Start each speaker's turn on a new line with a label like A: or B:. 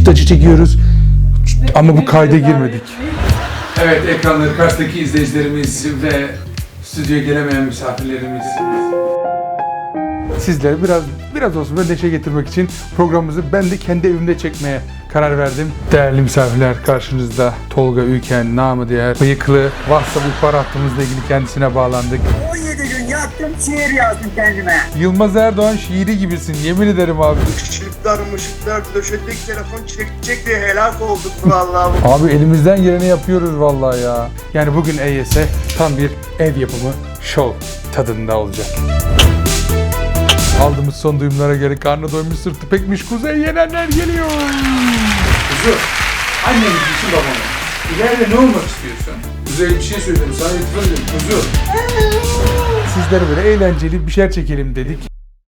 A: çift acı çekiyoruz. Ama bu kayda girmedik. Evet, ekranları karşıdaki izleyicilerimiz ve stüdyoya gelemeyen misafirlerimiz. Sizlere biraz olsun böyle neşe getirmek için programımızı ben de kendi evimde çekmeye karar verdim. Değerli misafirler, karşınızda Tolga Ülken, namı diğer Bıyıklı, WhatsApp ihbar hattımızla ilgili kendisine bağlandık.
B: 17 gün yattım, şiir yazdım kendime.
A: Yılmaz Erdoğan şiiri gibisin, yemin ederim abi.
C: Işıklar döşedik, telefon çekecek diye helak olduk vallahi.
A: Abi elimizden geleni yapıyoruz vallahi ya. Yani bugün EYS tam bir ev yapımı show tadında olacak. Aldığımız son duyumlara göre karnı doymuş sırtı pekmiş kuzey yenenler geliyor. Kuzu, annem için babam. İleride ne olmak istiyorsun? Kuzey bir şey söyledim, sana itiraf ediyorum kuzu. Sizlere böyle eğlenceli bir şeyler çekelim dedik.